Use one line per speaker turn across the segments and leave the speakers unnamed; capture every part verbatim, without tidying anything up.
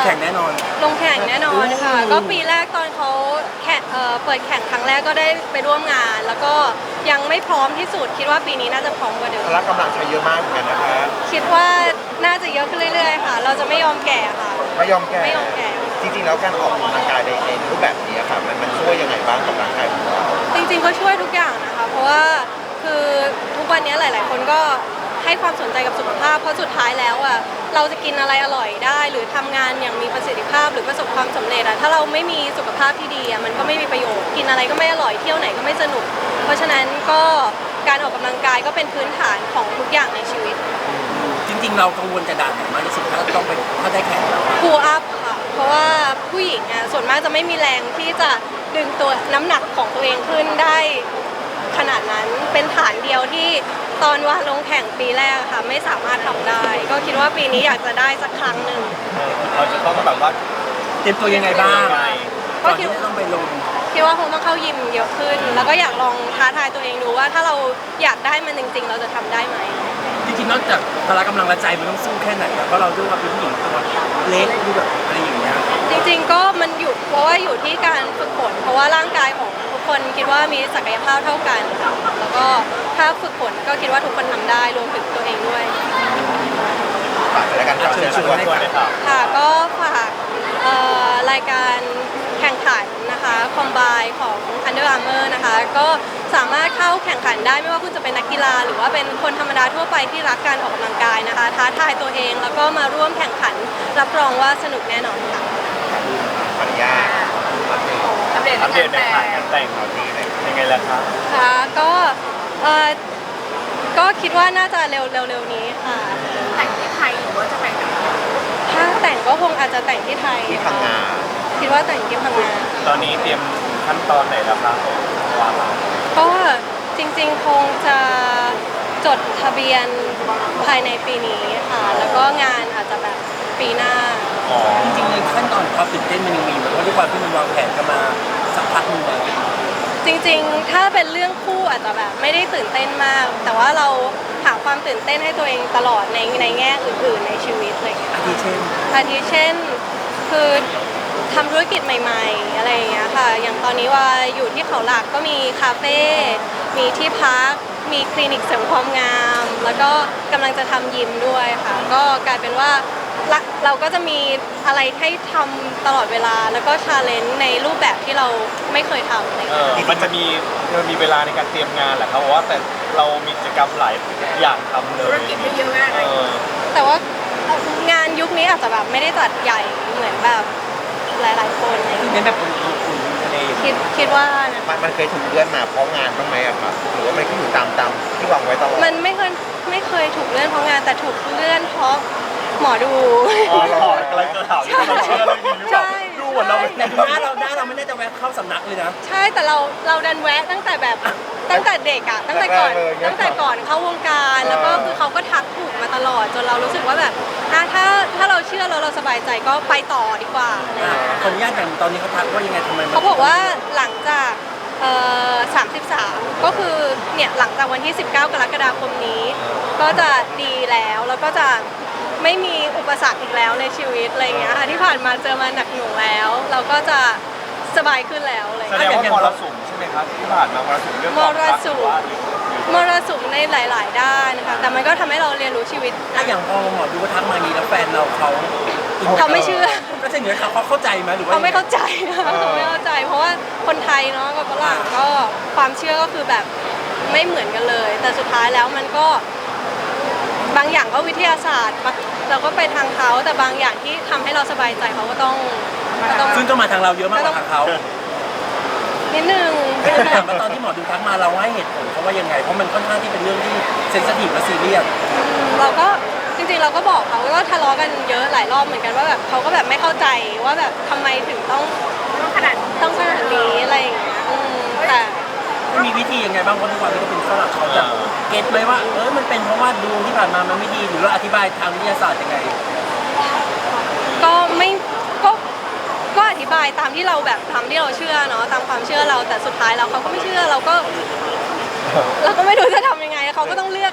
แข่งแน่นอน
ลงแข่งแน่นอนค่ะก็ปีแรกตอนเขาแข่งเอ่อเปิดแข่งครั้งแรกก็ได้ไปร่วมงาน แล้วก็ยังไม่พร้อมที่สุดคิดว่าปีนี้น่าจะพร้อมกว่าเดิม
พละกำลังใช้เยอะมากเหมือนกันนะคะ
คิดว่าน่าจะเยอะขึ้นเรื่อยๆค่ะเราจะไม่ยอมแก่ค่ะ
ไม่ยอมแก่
ไม่ยอมแก่
จริงๆแล้วการออกกำลังกายในในรูปแบบนี้ค่ะมันมันช่วยยังไงบ้างกับร่างกายของเรา
จริงๆก็ช่วยทุกอย่างนะคะเพราะว่าคือทุกวันนี้หลายๆคนก็ให้ความสนใจกับสุขภาพเพราะสุดท้ายแล้วอ่ะเราจะกินอะไรอร่อยได้หรือทำงานอย่างมีประสิทธิภาพหรือประสบความสำเร็จอ่ะถ้าเราไม่มีสุขภาพที่ดีอ่ะมันก็ไม่มีประโยชน์กินอะไรก็ไม่อร่อยเที่ยวไหนก็ไม่สนุกเพราะฉะนั้นก็การออกกำลังกายก็เป็นพื้นฐานของทุกอย่างในชีวิต
จริงๆเรากังวลกระดานไหนมากที่สุดถ้าต้องไปถ้าได้แข่งแล้ว
พูลอัพค่ะเพราะว่าผู้หญิงอ่ะส่วนมากจะไม่มีแรงที่จะดึงตัวน้ำหนักของตัวเองขึ้นได้ขนาดนั้นเป็นฐานเดียวที่ตอนว่าลงแข่งปีแรกค่ะไม่สามารถทำได้ก็คิดว่าปีนี้อยากจะได้สักครั้งหนึ่ง
เราจะต้องแบบว่า
เตรียมตัวยังไงบ้างก่อนที่จะต้องไปลง
คิดว่าคงต้องเข้ายิมเยอะขึ้นแล้วก็อยากลองท้าทายตัวเองดูว่าถ้าเราอยากได้มันจริงๆเราจะทำได้ไหม
จริงๆนอกจากพละกำลังและใจมันต้องสู้แค่ไหนเพราะเราด้วยความเป็นผู้หญิงตัวเล็กดูแบบอะไรอย่างเงี้ย
จริงๆก็มันอยู่เพราะว่าอยู่ที่การฝึกฝนเพราะว่าร่างกายของทุกคนคิดว่ามีศักยภาพเท่ากันแล้วก็ถ้าฝึกฝนก็คิดว่าทุกคนทำได้รวมถึงตัวเองด้วย
ฝากรายการเชิญชวนให้ค่ะ
ค่ะก็ฝากรายการแข่งขันนะคะคอมไบของ Under Armour นะคะก็สามารถเข้าแข่งขันได้ไม่ว่าคุณจะเป็นนักกีฬาหรือว่าเป็นคนธรรมดาทั่วไปที่รักการออกกำลังกายนะคะท้าทายตัวเองแล้วก็มาร่วมแข่งขันรับรองว่าสนุกแน่นอนค่ะ
ขออนุญาต
อัปเดตอัปเดตในถ่ายงานแต่งของนี้ยังไงล่ะครับ
ค่ะก็เออก็คิดว่าน่าจะเร็วเร็วๆนี้ค่ะ
แต่งที่ไทยหรือว่าจะแต่งกับ
ถ้าแต่งก็คงอาจจะแต่งที่ไทย
ที่พังงา
คิดว่าแต่งที่พังงา
ตอนนี้เตรียมขั้นตอนไหนแล้วครับ
ก็จริงๆคงจะจดทะเบียนภายในปีนี้ค่ะแล้วก็งานอาจจะแบบปีหน้า
จริงๆในขั้นตอนความตื่นเต้นมันยังมีเพราะด้วยความที่มันวางแผนกันมาสักพักนึงแล้ว
จริงๆถ้าเป็นเรื่องคู่อาจจะแบบไม่ได้ตื่นเต้นมากแต่ว่าเราหาความตื่นเต้นให้ตัวเองตลอดในในแง่อื่นๆในชีวิตอะไรอย่างเงี้ย
อาทิเช่น
อาทิเช่นคือทำธุรกิจใหม่ๆอะไรอย่างเงี้ยค่ะอย่างตอนนี้ว่าอยู่ที่เขาหลักก็มีคาเฟ่มีที่พักมีคลินิกเสริมความงามแล้วก็กำลังจะทำยิมด้วยค่ะก็กลายเป็นว่าเราก็จะมีอะไรให้ทำตลอดเวลาแล้วก็ชาเลนจ์ในรูปแบบที่เราไม่เคยทำเลย
มันจะมีมันมีเวลาในการเตรียมงานแหละครับเพราะว่าแต่เรามีกิจกรรมหลายอย่างทำเลย
ธุรกิจเยอะมากเลย
แต่ว่างานยุคนี้อาจจะแบบไม่ได้จัดใหญ่เหมือนแบบหลายๆคน
คือเป็นแบบอุ่นๆทะเล
คิดคิดว่านะ
มันเคยถูกเลื่อนมาเพราะงานบ้างไหมอะครับหรือว่ามันก็อยู่ตามตามที่วางไว้ตลอด
มันไม่เคยไม่เคยถูกเลื่อนเพราะงานแต่ถูกเลื่อนเพราะหมอดู
อ๋อหรออะไรก็ถามที่เราเชื่อเรื่องนี้หรือเปล่าดูเหมือนเรา
แต่ดูหน้าเราหน้าเราไม่ได้จะแวะเข้าสำนักเลยนะ
ใช่แต่เราเราดันแวะตั้งแต่แบบตั้งแต่เด็กอะตั้งแต่ก่อนตั้งแต่ก่อนเข้าวงการแล้วก็คือเขาก็ทักถูกมาตลอดจนเรารู้สึกว่าแบบถ้าถ้าเราเชื่อแล้วเราสบายใจก็ไปต่อดีกว่า
ขออนุญาตอย่างตอนนี้เขาทักว่ายังไงทำไม
เขาบอกว่าหลังจากเอ่อสามสิบสามก็คือเนี่ยหลังจากวันที่สิบเก้ากรกฎาคมนี้ก็จะดีแล้วแล้วก็จะไม่มีอุปสรรคอีกแล้วในชีวิตอะไรเงี้ยค่ะที่ผ่านมาเจอมาหนักหน่วงแล้วเราก็จะสบายขึ้นแล้วเลย
แสดงว่ามรสุมใช่ไหมครับที่ผ่านมามรสุมเรื่อง
มรสุมมรสุมในหลายๆด้านนะคะแต่มันก็ทำให้เราเรียนรู้ชีวิต
ถ้าอย่างพอหมอดูว่าทักมานี้แล้วแฟนเราเขา
เขาไม่เชื่อ
ก็ใช่เหนือเขาเขาเข้าใจไหมหรือว่า
เขาไม่เข้าใจเขาไม่เข้าใจเพราะว่าคนไทยเนาะกับฝรั่งก็ความเชื่อก็คือแบบไม่เหมือนกันเลยแต่สุดท้ายแล้วมันก็บางอย่างก็วิทยาศาสตร์เราก็ไปทางเขาแต่บางอย่างที่ทำให้เราสบายใจเขาก็ต้อง
ซึ่งต้องมาทางเราเยอะมากกว่าทางเขา
นิดนึง
ถามว่าตอนที่หมอดูทักมาเราให้เหตุผลเขาว่ายังไงเพราะมันค่อนข้างที่เป็นเรื่องที่เซนซิทีฟและซีเรียส
เราก็จริงๆเราก็บอกเขาก็ทะเลาะกันเยอะหลายรอบเหมือนกันว่าแบบเขาก็แบบไม่เข้าใจว่าแบบทำไมถึงต้อง
ต้องขนาด
ต้องขนาดนี้อะไรอย่างเงี้ยแต่
มีวิธียังไงบ้างเพราะทุกวันนี้ก็เป็นฝรั่งเขาจะเก็ตไหมว่าเออมันเป็นเพราะว่าดวงที่ผ่านมามันไม่ดีหรือเราอธิบายทางวิทยาศาสตร์ยังไง
ก็ไม่ก็ก็อธิบายตามที่เราแบบทำที่เราเชื่อเนาะตามความเชื่อเราแต่สุดท้ายเราเขาก็ไม่เชื่อเราก็เราก็ไม่รู้จะทำยังไงเขาก็ต้องเลือก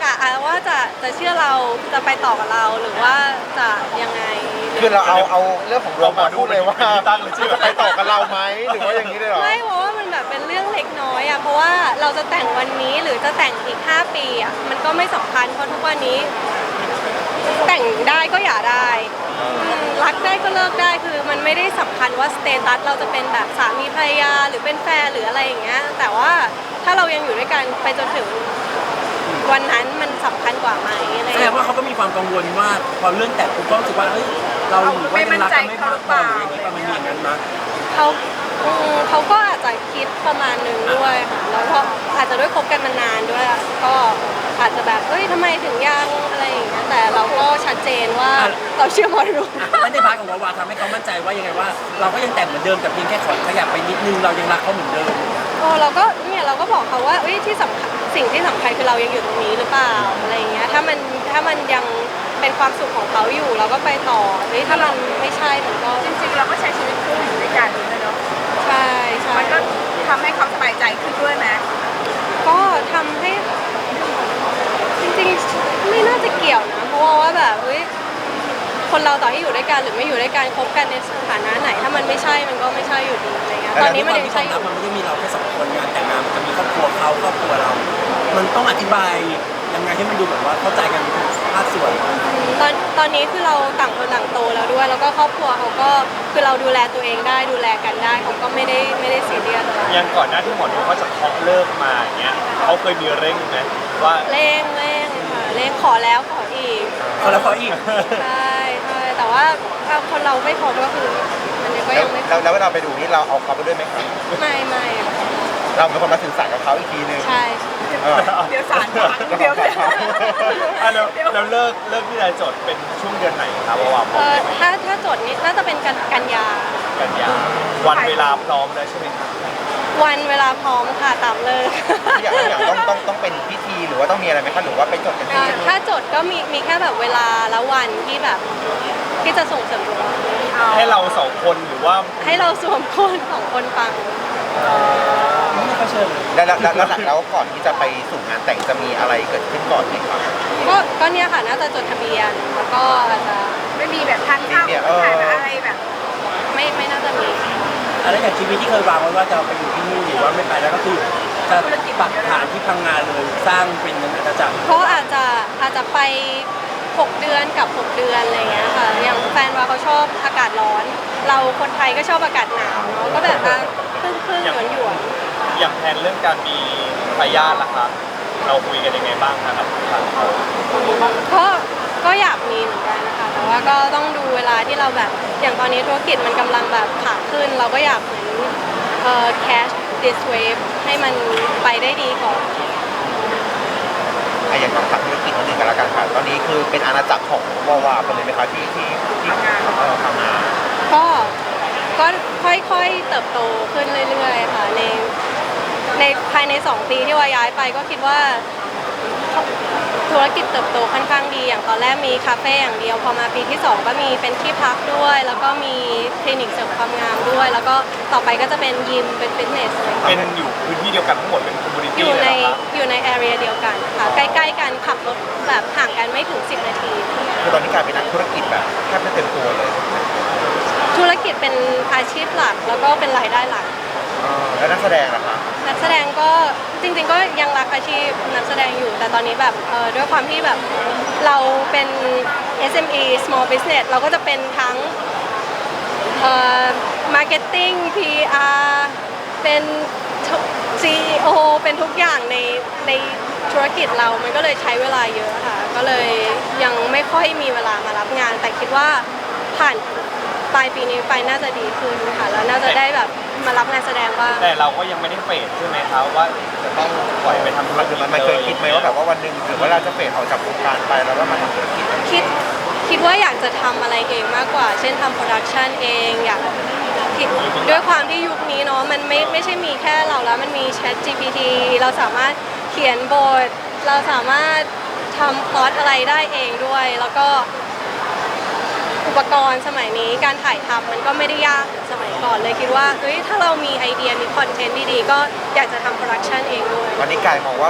อะอะว่าจะจะเชื่อเราจะไปต่อกับเราหรือว่าจะยังไง
คือเราเอาเอาเรื่องของดวงมาพูดเลยว่า
ตั้งเลยชื่อ
จะไปต่อกับเราไหมหรือว่าอย่างนี้เลยเหรอ
ไม่เพราะว่ามันแบบเป็นเรื่องเล็กน้อยอะเพราะว่าเราจะแต่งวันนี้หรือจะแต่งอีกห้าปีอะมันก็ไม่สำคัญเพราะทุกวันนี้ แต่งได้ก็อย่าได้อืมรักได้ก็เลิกได้คือมันไม่ได้สำคัญว่าสเตตัสเราจะเป็นแบบสามีภรรยาหรือเป็นแฟนหรืออะไรอย่างเงี้ยแต่ว่าถ้าเรายังอยู่ด้วยกันไปจนถึงวันนั้นมันสำคัญกว่าไหมอะไรอ
แส
ย่าง
ด
เงี้
ง
ย
ว่าเขาก็มีความกังวลว่าพอเรื่องแต่งปุ๊บก็รู้สึกว่าเฮ้ยเราหรือว่ายังรักกันไม่พอพอหรืออย่างนี้ประมาณนี้อย่างนั้นนะ
เขาอืมเขาก็อาจจะคิดประมาณนึงด้วยค่ะแล้วก็อาจจะด้วยคบกันมานานด้วยอะก็อาจจะแบบเอ้ยทำไมถึงยังอะไรอย่างเงี้ยแต่เราก็ชัดเจนว่าเราเชื่อหมอดู
ไม่ได้พาร์ทของวาวาทำให้เขามั่นใจว่ายังไงว่า เราก็ยังแต่งเหมือนเดิมแต่เพียงแค่ขอขยับไปนิดนึงเรายังรักเขาเหมือนเดิม
โอ้เราก็เนี่ยเราก็บอกเขาว่าเอ้ยที่สำคัญสิ่งที่สำคัญคือเรายังอยู่ตรงนี้หรือเปล่าอะไรอย่างเงี้ยถ้ามันถ้ามันยังเป็นความสุขของเขาอยู่เราก็ไปต่อเฮ้ยถ้ามันไม่ใช่มันก็
จริงๆเราก็ใช้ชีวิตคู่อยู่ด้วยกันเลยเนาะ
ใช่ใช่
มันก็ทำให้เขาสบายใจขึ้นด้วยไหม
ก็ทำให้จริงๆไม่น่าจะเกี่ยวนะเพราะว่าแบบเฮ้ยคนเราต่อให้อยู่ด้วยกันหรือไม่อยู่ด้วยกันคบกันในสถานะไหน ถ้ามันไม่ใช่มันก็ไม่ใช่อยู่ดีอะไรเงี้ยตอนนี้มันยังใช่อยู่
มันไม่ได้มีเราแค่สองคนงานแต่งงานมันจะมีครอบครัวเขาครอบครัวเรา มันต้องอธิบายยังไงให้มันดูแบบว่าเข้าใจกันทุกภาคส่วน
ตอนตอนนี้คือเราต่างคนต่างโตแล้วด้วย แล้วก็ครอบครัวเขาก็คือเราดูแลตัวเองได้ดูแลกันได้เขาก็ไม่ได้ไม่ได้ซีเรียสอะไร
ยังก่อนหน้าที่หมอดูเขาจะเคาะเลิกมาอย่างเงี้ยเขาเคยมีเร่งไหมว่า
เร่งเร่งค่ะเร่งขอแล้วขออีก
เขาแล้วเขาอีก
ใช่ใช่แต่ว่าถ้าคนเราไม่พร้อมก็คือมันก็
แล้ว
ยังไม่พร้
แล้
อ
ว
ม
แล้วเวลาไปดูนี่เราเอาเขาไปด้วยไหมครับ
ไม่ไม่
เราเป็นคนมาสื่อสารกับเขาอีกทีนึง
ใช่
เออ
เดี๋ยวสารพังเดี๋ยวเดี๋ยว
อ่ะแล้วแล้วเลิกเลิกที่นายจดเป็นช่วงเดือนไหนครับเพราะว่าผ
เอ
ม
อถ้าถ้าจดนี้น่าจะเป็นกันกันยา
กันยาวันเวลาพร้อมแล้วใช่ไหมครับ
วันเวลาพร้อมค่ะตามเลิก
อย่างอย่างต้องต้องต้องเป็นพิธีหรือว่าต้องมีอะไรไหมคะหรือว่าไปจดกันที่
อ่าถ้าจดก็มีมีแค่แบบเวลาและวันที่แบบที่จะส่งเสริมดวง
ให้เราสองคนหรือว่า
ให้เราสวมคนของคนฟัง
ไม่ได้เขาเชิญเลย
แล้วแล้วแล้วแล้วแล้วก่อนที่จะไปสู่งานแต่งจะมีอะไรเกิดขึ้นก่อนไหมครับ
ก็ก็เนี่ยค่ะน่าจะจดทะเบียนแล้วก็อาจจะ
ไม่มีแบบทานข้าวถ่ายแบบอะไรแบบ
ไม่ไม่น่าจะมี
อะไรอย่างชีวิตที่เคยวางไว้ว่าจะไปอยู่ที่นู่นหรือว่าไม่ไปแล้วก็คือจะปักฐานที่พังงานเลยสร้างเป็นอาณาจักร
ก็อาจจะอาจจะไปหกเดือนกับหกเดือนอะไรเงี้ยค่ะอย่างแฟนว่าเขาชอบอากาศร้อน เราคนไทยก็ชอบอากาศหนาวเนาะก็แบบว่าครึ่งครึ่งหยวนหยวน
อย่างแผนเรื่องการมีทายาทล่ะครับเราคุยกันยังไงบ้างครับทางเขา
ก็ก็อยากมีเหมือนกันนะคะแต่ว่าก็ต้องดูเวลาที่เราแบบอย่างตอนนี้ธุรกิจมันกำลังแบบขาขึ้น เราก็อยากเหมือนเอ่อ cash this wave ให้มันไปได้ดีก่อน
ไอ้อย่างต้องทำธุรกิจนิดนึงกันแล้วกันค่ะตอนนี้คือเป็นอาณาจักรของวาวาไปเลยไหมคะที่ที่ที่เออทำงาน
ก็ก็ค่อยๆเติบโตขึ้นเรื่อยๆค่ะในในภายในสองปีที่ว่าย้ายไปก็คิดว่าธุรกิจเติบโตค่อนข้างดีอย่างตอนแรกมีคาเฟ่อย่างเดียวพอมาปีที่สองก็มีเป็นที่พักด้วย แล้วก็มีคลินิกเสริมความงามด้วย แล้วก็ต่อไปก็จะเป็นยิมเป็นฟิตเนสอะไรอย่าง
เป็
เงี้ย
นอยู่พื้นที่เดียวกันทั้งหมดเป็นคอมมูนิ
อ
ตี้
ยู่
เล
ใน
ยเหรอครับ
อยู่ในแอเรียเดียวกันค่ะใกล้ๆกันขับรถแบบห่างกันไม่ถึงสิบนาที
คือตอนนี้กลายเป็นนักธุรกิจแบบแทบไม่เต็มตัวเลย
ธุรกิจเป็นอาชีพหลักแล้วก็เป็นรายได้หลัก
เออแล้วนักแสดงล่ะคะ
นักแสดงก็จริงๆก็ยังรักอาชีพนักแสดงอยู่ แต่ตอนนี้แบบเออด้วยความที่แบบเราเป็น เอส เอ็ม อี small business เราก็จะเป็นทั้งเอ่อ marketing พี อาร์ เป็น ซี อี โอ เป็นทุกอย่างในในธุรกิจเรา มันก็เลยใช้เวลาเยอะค่ะ ก็เลยยังไม่ค่อยมีเวลามารับงาน แต่คิดว่าผ่านปลายปีนี้ไปน่าจะดีขึ้นค่ะ แล้วน่าจะได้แบบมารับงานแสดงบ้าง
แต่เราก็ยังไม่ได้เฟดใช่ไหมครับว่าจะต้องปล่อยไปทำธุร
มัน
กิจ
มันมันเคยคิดไหมว่าแบบว่าวันหนึ่งถึงเวลาจะเฟดออกจากวงการไปแล้วก็มาทำธุรกิจ
คิดคิดว่าอยากจะทำอะไรเองมากกว่า เช่นทำโปรดักชันเองอยากคิดด้วยความที่ยุคนี้เนาะมันไม่ไม่ใช่มีแค่เราแล้วมันมี Chat จี พี ที เราสามารถเขียนบท เราสามารถทำพล็อตอะไรได้เองด้วย แล้วก็อุปกรณ์สมัยนี้การถ่ายทำมันก็ไม่ได้ยากเหมือนสมัยก่อนเลยคิดว่าเฮ้ยถ้าเรามีไอเดียมีคอนเทนต์ดีๆ ก็อยากจะทำโปรดักชันเองด้วย
ตอนนี้กลายมองว่า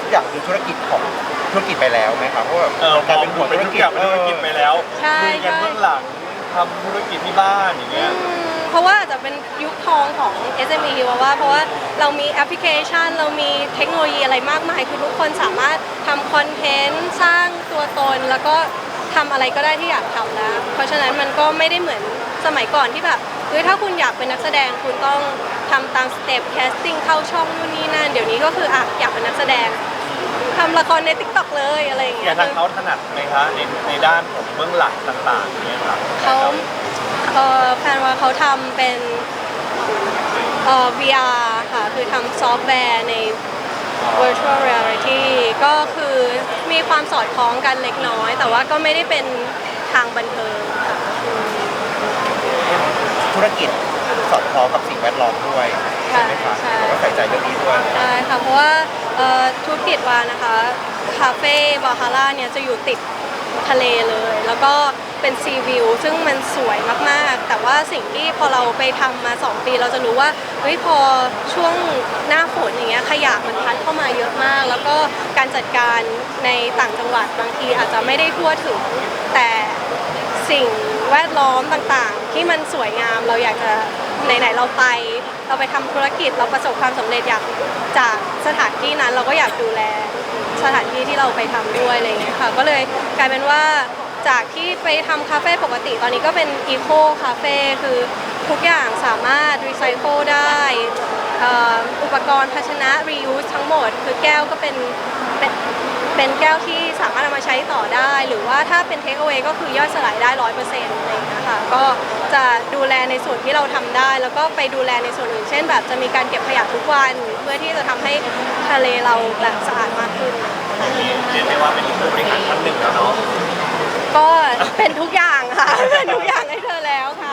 อย่างเป็นธุรกิจของธุรกิจไปแล้วไหมครับเพราะว่า
เออม
กลาย
อง
เป็น
ดู
หัว
เป็น
ธุร
ทุก
กิ
อ
จ
ย่างเป็นธุรกิจไปแล้ว
ใช่
ลุยกัน
ใช่
เบื้องหลังทำธุรกิจที่บ้านอย่างเงี้ย
อืมเพราะว่าอาจจะเป็นยุคทองของ เอส เอ็ม อี ว่าว่าเพราะว่าเรามีแอปพลิเคชัน เรามีเทคโนโลยีอะไรมากมาย คือทุกคนสามารถทำคอนเทนต์สร้างตัวตน แล้วก็ทำอะไรก็ได้ที่อยากทำแล้ว เพราะฉะนั้นมันก็ไม่ได้เหมือนสมัยก่อนที่แบบเฮ้ยถ้าคุณอยากเป็นนักแสดงคุณต้องทำตามสเต็ปแคสติ้งเข้าช่องนู่นนี่นั่นเดี๋ยวนี้ก็คืออ่ะอยากเป็นนักแสดงทำละครใน ติ๊กต็อก เลยอะไรอย่าง
อ
เงี้
ย่าย งทางเขาถนัดไหมคะในในด้านของเบื้องหลังต่างๆเนี่ยครับ
เขาเอ่อแฟนว่าเขาทำเป็นเอ่อ วี อาร์ ค่ะ คือทำซอฟต์แวร์ใน virtual reality ก็คือมีความสอดคล้องกันเล็กน้อย แต่ว่าก็ไม่ได้เป็นทางบันเทิงค่ะ
ธุรกิจสอดคล้องกับสิ่งแวดล้อมด้วยใช่ไหมคะ
ใช่
แล้วก็ใส่ใจเรื่องนี้ด้วย
ใช่ค่ะ เพราะว่าเอ่อธุรกิจวานะคะ คาเฟ่บาฮาร่าเนี่ยจะอยู่ติดทะเลเลย แล้วก็เป็นซีวิวซึ่งมันสวยมากๆ แต่ว่าสิ่งที่พอเราไปทำมาสองปีเราจะรู้ว่าเฮ้ยพอช่วงหน้าฝนอย่างเงี้ยขยะมันพัดเข้ามาเยอะมาก แล้วก็การจัดการในต่างจังหวัดบางทีอาจจะไม่ได้ทั่วถึง แต่สิ่งแวดล้อมต่างๆ ที่มันสวยงามเราอยากจะไหนๆเราไป เราไปทำธุรกิจเราประสบความสำเร็จอยากจากสถานที่นั้นเราก็อยากดูแลสถานที่ที่เราไปทำด้วยอะไรอย่างเงี้ยค่ะก็เลยกลายเป็นว่าจากที่ไปทำคาเฟ่ปกติตอนนี้ก็เป็นอีโคคาเฟ่คือทุกอย่างสามารถรีไซเคิลได้เอ่ออุปกรณ์ภาชนะ reuse ทั้งหมด คือแก้วก็เป็นเป็นเป็นแก้วที่สามารถเอามาใช้ต่อได้ หรือว่าถ้าเป็น take away ก็คือย่อยสลายได้ร้อยเปอร์เซ็นต์อะไรอย่างเงี้ยค่ะก็จะดูแลในส่วนที่เราทำได้ แล้วก็ไปดูแลในส่วนอื่นเช่นแบบจะมีการเก็บขยะทุกวันเพื่อที่จะทำให้ทะเลเราแบบสะอาดมากขึ้น
เรียกได้ว่าเป็นผู้บริหารท่านหนึ่งแล้วเนาะ
ก็เป็นทุกอย่างค่ะ เป็นทุกอย่างให้เธอแล้วค่ะ